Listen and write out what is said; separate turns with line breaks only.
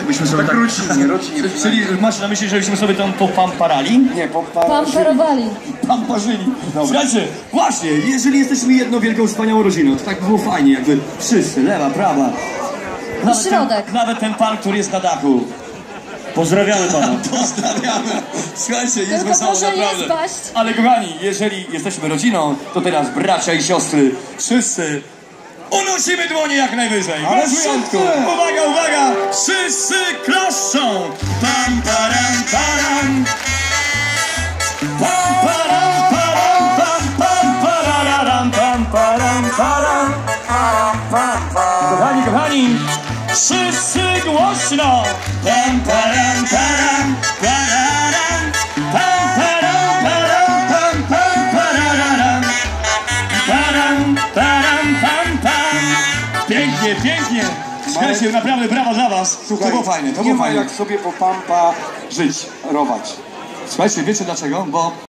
Byśmy sobie tak...
Rodzinie.
Czyli masz na myśli, żebyśmy sobie tam popamparali?
Nie,
Pamperowali.
Pamparzyli. Słuchajcie, właśnie, jeżeli jesteśmy jedną wielką, wspaniałą rodziną, to tak by było fajnie, jakby wszyscy, lewa, prawa.
Środek.
Nawet ten pan, który jest na dachu.
Pozdrawiamy pana.
Pozdrawiamy. Słuchajcie, jest
Tylko
wesoło,
proszę nie
naprawdę.
spaść.
Ale kochani, jeżeli jesteśmy rodziną, to teraz bracia i siostry, wszyscy unosimy dłonie jak najwyżej.
Ale
Bez wyjątku.
wszyscy.
Uwaga, uwaga! Wszyscy klaszczą. Pam, param, param. Pam, param, param, pam, pam, pararam, pam, param, param. Kochani, kochani, wszyscy głośno. Pam, param, param, pararam. Pam, param, param, pam, pam, pararam. Param, param, pam, pam. Pięknie, pięknie. Słuchajcie, naprawdę brawa dla was.
Słuchaj,
To było fajne, to
nie
było
ma
fajne.
jak sobie po pampa żyć, rować.
Słuchajcie, wiecie dlaczego? Bo